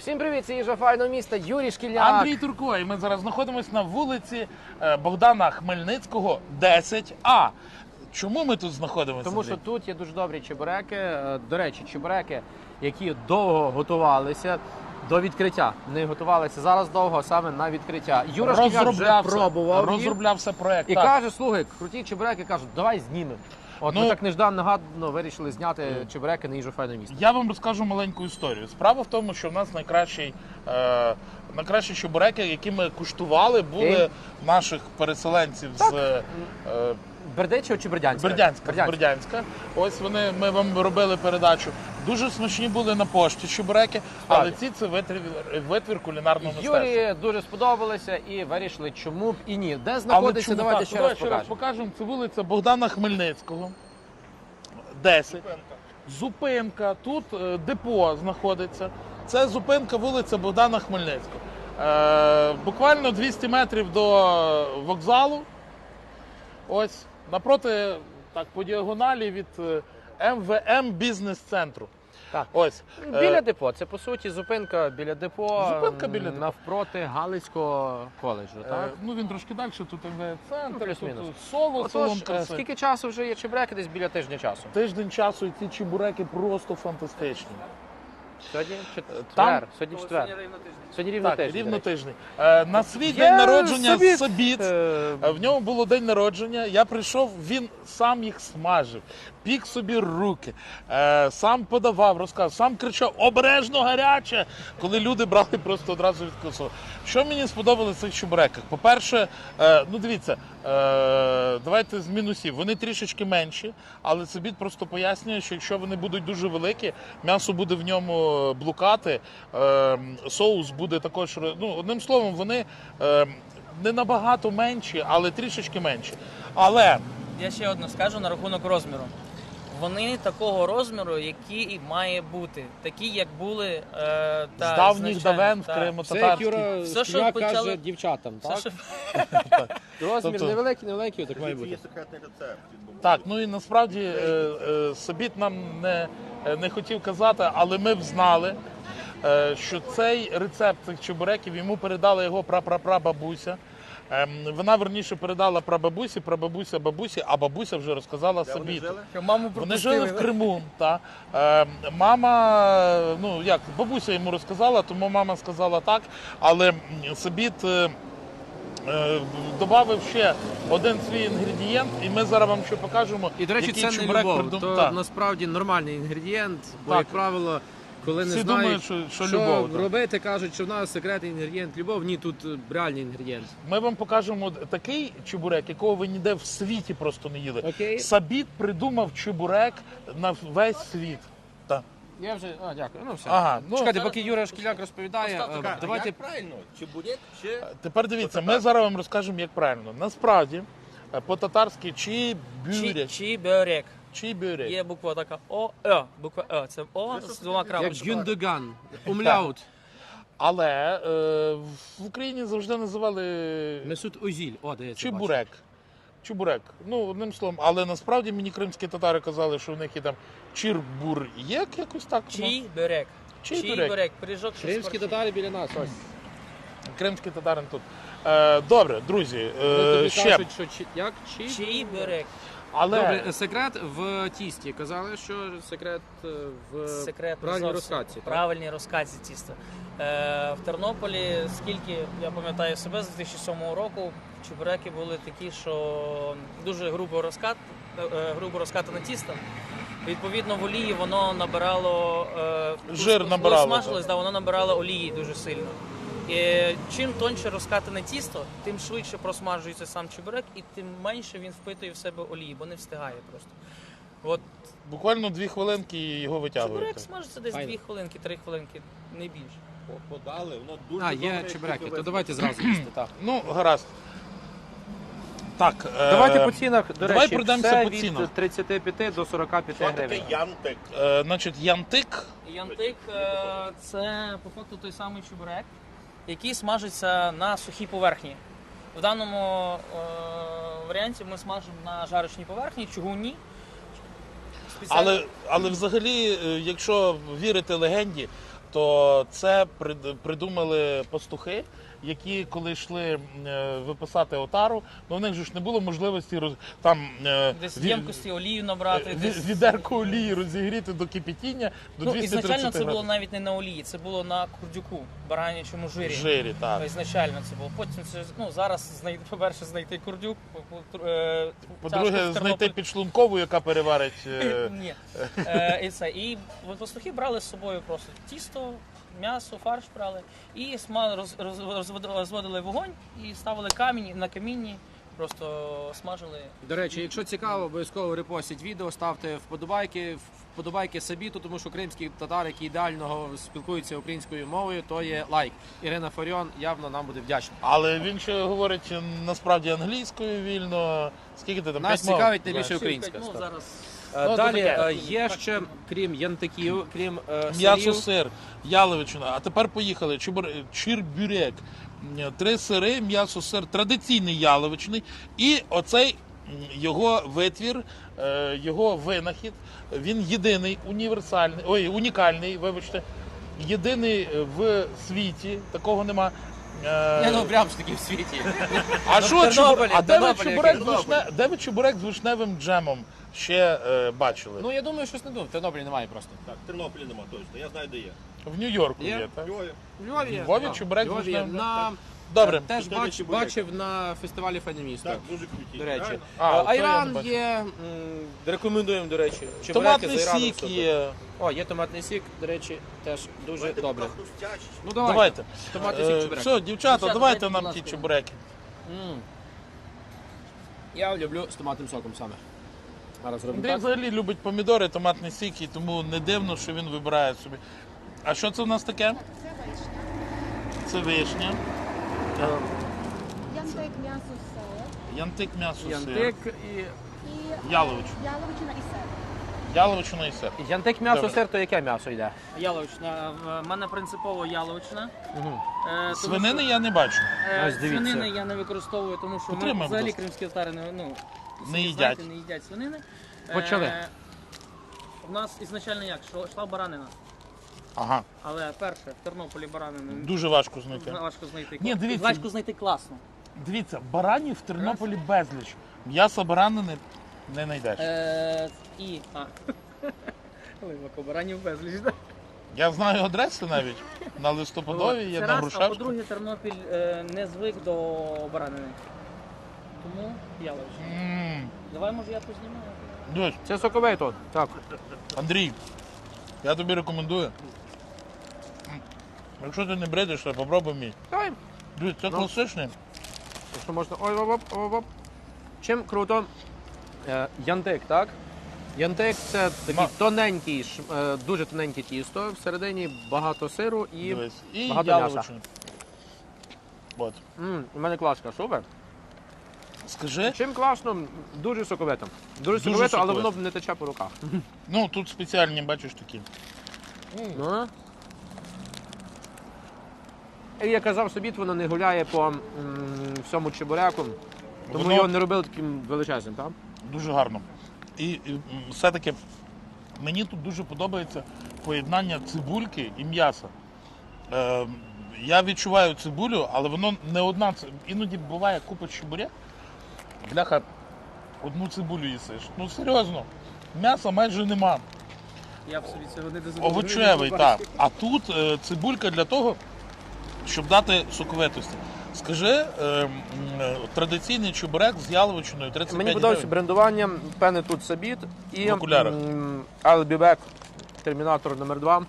Всім привіт, це їжа файного міста, Юрій Шкільняк. Андрій Турко, і ми зараз знаходимося на вулиці Богдана Хмельницького, 10А. Чому ми тут знаходимося? Тому що тут є дуже добрі чебуреки. До речі, чебуреки, які довго готувалися до відкриття. Не готувалися зараз довго, а саме на відкриття. Юра Шкільняк вже пробував їх. Розроблявся проєкт. І каже, слухай, круті чебуреки, кажуть, давай знімемо. От ми так нежданно вирішили зняти чебуреки на їжу файного міста. Я вам розкажу маленьку історію. Справа в тому, що в нас найкращі чебуреки, які ми куштували, були наших переселенців з Бердичева чи Бердянська? Бердянська. Ось ми вам робили передачу. Дуже смачні були на пошті чебуреки, але це витвір кулінарного мистецтва. Юрі дуже сподобалося і вирішили, чому б і ні. Де знаходиться, давайте ще раз покажемо. Це вулиця Богдана Хмельницького, 10. Зупинка, тут депо знаходиться. Це зупинка вулиця Богдана Хмельницького. Буквально 200 метрів до вокзалу. Ось, напроти, так, по діагоналі від МВМ бізнес-центру. Так. Ось. Біля депо. Це, по суті, зупинка біля депо, депо. навпроти Галицького коледжу, так? Він трошки далі, тут МВЦ-центр, плюс-мінус. тут соло, салон краси. Скільки часу вже є чебуреки? Десь біля тижня часу. Тиждень часу, і ці чебуреки просто фантастичні. Сьогодні Сьогодні четвер. Сьогодні рівно тиждень. Рівно тиждень. На свій день народження Собіт. В ньому було день народження. Я прийшов, він сам їх смажив, пік собі руки, сам подавав, розказав, сам кричав «Обережно гаряче!», коли люди брали просто одразу від косу. Що мені сподобалося в цих чебуреках? По-перше, дивіться, давайте з мінусів. Вони трішечки менші, але Собіт просто пояснює, що якщо вони будуть дуже великі, м'ясо буде в ньому блукати, соус буде також, одним словом, вони не набагато менші, але трішечки менші. Але я ще одне скажу на рахунок розміру. Вони такого розміру, який і має бути. Такі, як були з давніх давен в Криму-Татарській. Це Юра каже дівчатам, так? Розмір невеликий, так має бути. Є секретний рецепт. Так, і насправді Собіт нам не хотів казати, але ми знали, що цей рецепт цих чебуреків йому передала його прапрапрабабуся. Вона, верніше, передала прабабусі, прабабуся бабусі, а бабуся вже розказала Собіту. Вони жили в Криму. Мама, бабуся йому розказала, тому мама сказала так, але Собіт додав ще один свій інгредієнт, і ми зараз вам ще покажемо. І, до речі, це не любов, то насправді нормальний інгредієнт, бо, як правило, коли не знають, що робити, кажуть, що в нас секретний інгредієнт любов. Ні, тут реальний інгредієнт. Ми вам покажемо такий чебурек, якого ви ніде в світі просто не їли. Окей. Собіт придумав чебурек на весь світ. Я вже, дякую. Все. Ага, Чекайте, поки Юра Шкільняк розповідає, давайте... Як правильно? Чебурек чи... Тепер дивіться, ми зараз вам розкажемо, як правильно. Насправді, по-татарськи чебурек. Чебурек. Є буква така О, буква О. Це О з двома Як крапочками. Гюндоган, умляут. Але в Україні завжди називали Месут Озіль. чебурек. Чебурек. Одним словом. Але насправді мені кримські татари казали, що в них є там чірбур'єк, якось так. Чебурек. Пиріжок. Кримські татари біля нас, ось. Кримські татари тут. Добре, друзі, ще. Кажуть, що як? Чебурек. Але... Добре, секрет в тісті. Казали, що секрет в правильній розкатці. Правильній розкатці тіста. В Тернополі, скільки я пам'ятаю себе, з 2007 року чебуреки були такі, що дуже грубо розкатане тісто. Відповідно, в олії воно набирало... Жир набирало. Коли смажилось, воно набирало олії дуже сильно. І чим тоньше розкатане тісто, тим швидше просмажується сам чебурек, і тим менше він впитує в себе олії, бо не встигає просто. Буквально 2 хвилинки і його витягуєте. Чебурек смажиться десь 2 хвилинки, 3 хвилинки, не більше. Подали, воно дуже є чебуреки, то давайте зразу їсти, так. Гаразд. Так, давайте по цінах, до речі, пройдемося по цінах. Від 35 до 45 гривень. Що таке янтик? Значить, янтик. Янтик – це, по факту, той самий чебурек, який смажиться на сухій поверхні. В даному варіанті ми смажимо на жарочній поверхні, чугунній. Але взагалі, якщо вірити легенді, то це придумали пастухи, які коли йшли виписати отару, ну в них же ж не було можливості там Десь в ємкості олію набрати. відерку олії розігріти до кипітіння до 230 Ізначально це було градусів. навіть не на олії, це було на курдюку, баранячому жирі. Жирі, так. Ізначально це було. Потім це, зараз по-перше, знайти курдюк, По-друге, знайти підшлункову, яка переварить. Ні. І це. І пастухи брали з собою просто тісто, м'ясо, фарш брали і розводили вогонь і ставили камінь на камінні, просто смажили. До речі, якщо цікаво, обов'язково репостіть відео, ставте вподобайки Сабіту, тому що кримський татар, який ідеально спілкується українською мовою, то є лайк. Ірина Фаріон явно нам буде вдячна. Але він ще говорить насправді англійською вільно. Скільки ти там? Нас 5 мов? цікавить найбільше українська. Ну, зараз Далі таке. є ще, крім янтиків, крім М'ясо, сирів, сир, яловичина. А тепер поїхали. Чирбюрек. 3 сири, м'ясо, сир, традиційний яловичний. І оцей його витвір, його винахід. Він єдиний, унікальний, вибачте. Єдиний в світі, такого нема. прямо ж таки в світі. А що Тернополі, а де ви Тернополі, чебурек який? де ви чебурек з вишневим джемом ще бачили? Ну я думаю, щось не думаю. В Тернополі немає просто. Так, в Тернополі нема точно, я знаю, де є. В Нью-Йорку Є? є, так? Львові. В Львові є. Львові Так, чебурек в Львові з є. вишневим? Добре. Теж Чебурек. бачив на фестивалі Файне місто. Так, дуже круті. До речі. Реально. А, то я не Айран бачив. є, рекомендуємо, до речі. Чебуреки Томатний з айраном сік супер. є. О, є томатний сік, до речі, теж дуже Давайте добре. поки хрустящі. Ну Давайте. Томатний сік чебурек. Все, дівчата, Дівчата, давайте дайте, нам будь ті ласка. чебуреки. Я люблю з томатним соком саме. Зараз робимо Андрій так. взагалі любить помідори, томатний сік, і тому не дивно, що він вибирає собі. А що це в нас таке? Це вишня. Янтик, м'ясо, сир Янтик, м'ясо, сир. Янтик і... і Яловичина. яловичина і сир. Яловичина і сир. Янтик м'ясо, Добре. сир, то яке м'ясо йде? яловична. В мене принципово яловичина. Угу. Тому Свинини що, я не бачу. Ось дивіться. свинини я не використовую, тому що Підтримай, будь взагалі ласка. кримські татари Не їдять. знаєте, не їдять свинини. Почали. У нас ізначально як? Йшла баранина. Ага, Але перше, в Тернополі баранину дуже важко знайти. важко знайти. Ні, дивіться. Важко знайти класно. Дивіться, баранів в Тернополі безліч. М'яса баранини не знайдеш. Глибоко, баранів безліч. Да? Я знаю адреси навіть. На Листопадовій є, Це на раз, а Грушевську. по-друге, Тернопіль не звик до баранини. Тому яловичина. Давай, може, я познімаю. Дивись, Це соковий тут. Так. Андрій, я тобі рекомендую. Якщо ти не бредиш, то попробуй мій. Давай. Дивись, це класичний. Якщо можна. Ой, оп. Чим круто? Янтик, так? Янтик це такий тоненький, дуже тоненьке тісто, всередині багато сиру і Дивись. І багато м'яса. яловичини. От. У мене класка, супер. Скажи, Чим класно, дуже соковито. Дуже Дуже соковито, але соковито. воно не тече по руках. ну тут спеціальні, бачиш такі. Ну. І я казав собі, воно не гуляє по всьому чебуреку, тому Воно- його не робили таким величезним, так? Дуже гарно. І все-таки мені тут дуже подобається поєднання цибульки і м'яса. Я відчуваю цибулю, але воно не одна. Іноді буває купа чебурек, бляха, одну цибулю їсиш. Ну серйозно, м'яса майже нема. Я б собі цього не дозволив. Овочевий, так. А тут цибулька для того, щоб дати соковитості. Скажи, традиційний чебурек з яловичиною 35 Мені подобається гривень. брендування, певне тут Сабіт і В окулярах. I'll be back, Термінатор номер 2.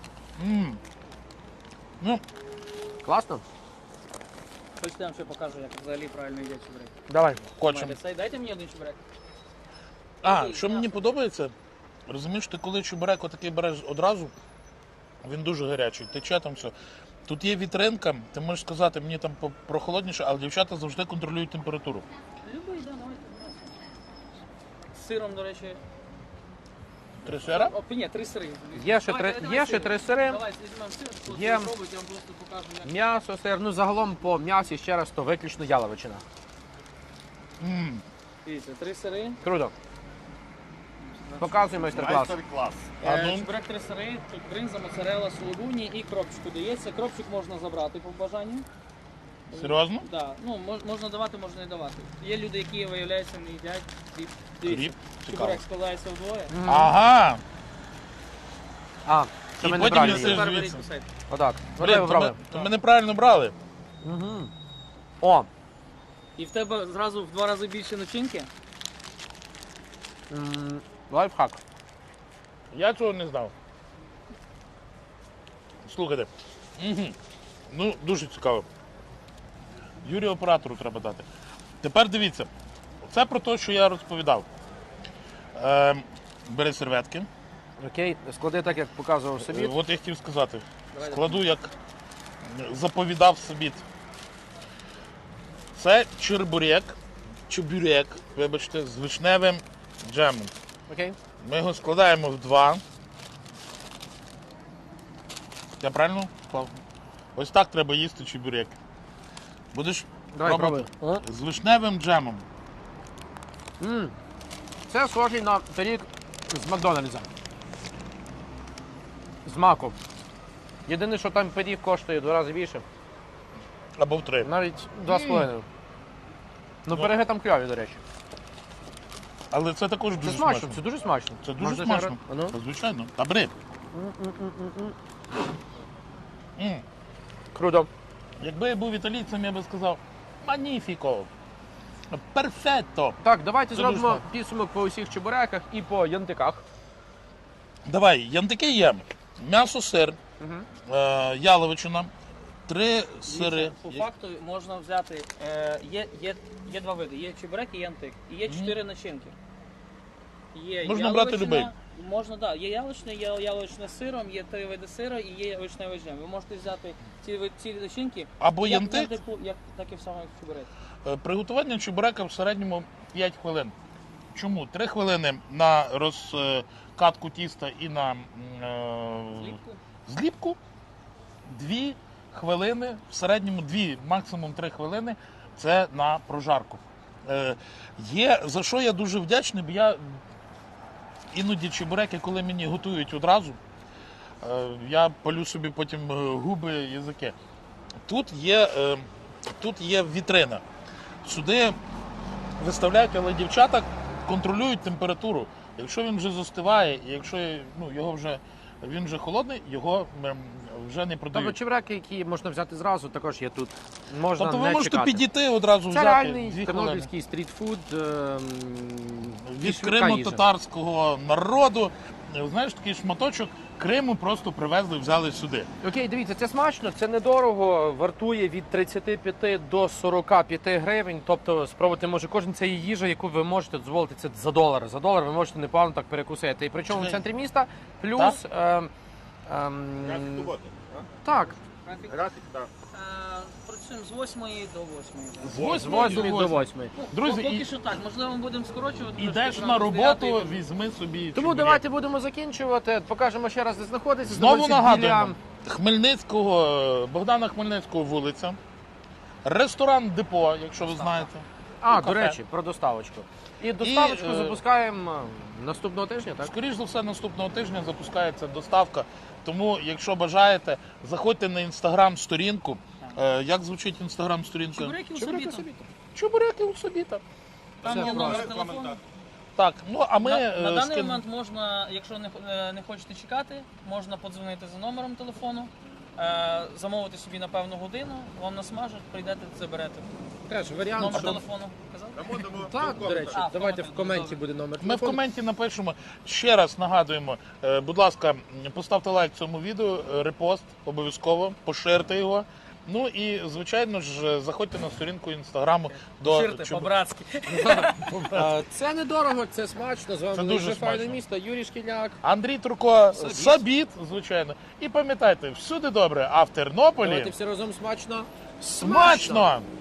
Ну, Класно? Хочете, я вам ще покажу, як взагалі правильно їдять чебурек. Давай. хочемо. Дайте мені один чебурек. А, що мені подобається, розумієш, ти коли чебурек отакий береш одразу, він дуже гарячий, тече там все. Тут є вітринка, ти можеш сказати, мені там прохолодніше, але дівчата завжди контролюють температуру. Любий, да, давайте. З сиром, до речі. 3 сира? Ні, 3 сири. Є ще Давайте, три- давай є ще сир. 3 сири. Давайте візьмемо сир, хто Є. це робить, я вам просто покажу, як. М'ясо, сир, ну загалом по м'ясі ще раз, то виключно яловичина. Дивіться, 3 сири. Круто. Показуй майстер-клас. Майстер-клас. А ну, Чебурек 3 сири, тут бринза, моцарелла, сулугуні і кропчику дається. Кропчик можна забрати по бажанню. серйозно? Да. Ну, можна давати, можна не давати. Є люди, які, виявляється, не їдять хліб. Дивіться, Хліб? Цікаво. чебурек складається вдвоє. Ага. А, це І ми потім неправильно їсиш. їли. Тепер беріть звідси. кусайте. Отак. Блін, Вибрали. то ми неправильно брали. О, І в тебе зразу в 2 рази більше начинки. лайфхак. Я цього не знав. Слухайте. Угу. Ну, дуже цікаво. Юрію оператору треба дати. Тепер дивіться. Це про те, що я розповідав. Бери серветки. Окей, склади так, як показував собі. От я хотів сказати. Складу, як заповідав собі. Це чебурек, вибачте, з вишневим джемом. Окей. Ми його складаємо в 2. Я правильно впав? Ось так треба їсти чебурек. Будеш Давай, пробувати? пробуй. З вишневим джемом. Це схожий на пиріг з Макдональдса. З маку. Єдине, що там пиріг коштує в 2 рази більше. Або в 3. Навіть 2,5. Ну, пироги там кльові, до речі. Але це також Це дуже смачно, смачно. це дуже смачно. Це дуже Можна смачно. ще раз? А ну. Та, звичайно. Та бери. Круто. Якби я був італійцем, я би сказав маніфіко. Перфетто. Так, давайте Це зробимо дуже підсумок по усіх чебуреках і по янтиках. Давай, янтики є. М'ясо, сир, яловичина, 3 сири. Дивіться, по факту можна взяти, є 2 види, є чебурек і янтик. І є 4 начинки. Є Можна брати яловичина, любий. Можна, так. Є яловичне, є яловичне з сиром, є 3 види сира і є вишневий джем. Ви можете взяти ці начинки, Або як янтик. так і в самому чебурек. Приготування чебурека в середньому 5 хвилин. Чому? 3 хвилини на розкатку тіста і на Зліпку. зліпку. 2 хвилини, в середньому 2, максимум 3 хвилини це на прожарку. Є, за що я дуже вдячний, бо я іноді чебуреки, коли мені готують одразу, я палю собі потім губи, язики. Тут є вітрина. Сюди виставляють, але дівчата контролюють температуру. Якщо він вже застиває, і якщо він вже холодний, його вже не Тобто продають. чебуреки, які можна взяти зразу, також є тут. Можна Тобто ви не можете чекати. підійти одразу Це взяти реальний 2 хвилини. тернопільський стрітфуд. Від криму-татарського народу. Знаєш, такий шматочок Криму просто привезли, взяли сюди. Окей, дивіться, це смачно, це недорого, вартує від 35 до 45 гривень. Тобто спробувати може кожен це є їжа, яку ви можете дозволити це за $1. За $1 ви можете непогано так перекусити. І причому в центрі міста, плюс... Графік роботи. так, Графік, так. Працюємо з 8 до 8. З з 8 8 до 8. Друзі, Поки що так, можливо, ми будемо скорочувати. Ідеш трошки, на зранку з 9 роботу, візьми собі. Тому чебурек. давайте будемо закінчувати. Покажемо ще раз, де знаходиться. Знову Знаходиться нагадуємо. біля- Хмельницького, Богдана Хмельницького вулиця. Ресторан Депо, якщо ви знаєте. А, кафе. до речі, про доставочку. І доставочку І, запускаємо наступного тижня, так? Скоріш за все, наступного тижня запускається доставка. Тому, якщо бажаєте, заходьте на інстаграм-сторінку. Як звучить інстаграм-сторінка? Чебуреки у собі. Чебуреки у собі там. Там Все є номер просто. телефону. Так, ну а ми На даний скин- момент можна, якщо не хочете чекати, можна подзвонити за номером телефону, замовити собі на певну годину, вам насмажуть, прийдете, заберете. Теж варіант, Номер що... телефону казав? Так, до речі, А, в давайте в коменті коменті буде. буде номер Ми в телефону. коменті напишемо. Ще раз нагадуємо, будь ласка, поставте лайк цьому відео, репост обов'язково, поширте його. Ну і, звичайно ж, заходьте на сторінку інстаграму до Ширте, по-братськи. Це недорого, це смачно. З вами Це дуже дуже файне смачно. місто. Юрій Шкільняк. Андрій Турко, Сабіт, звичайно. І пам'ятайте, всюди добре, а в Тернополі Давайте всі разом смачно. смачно!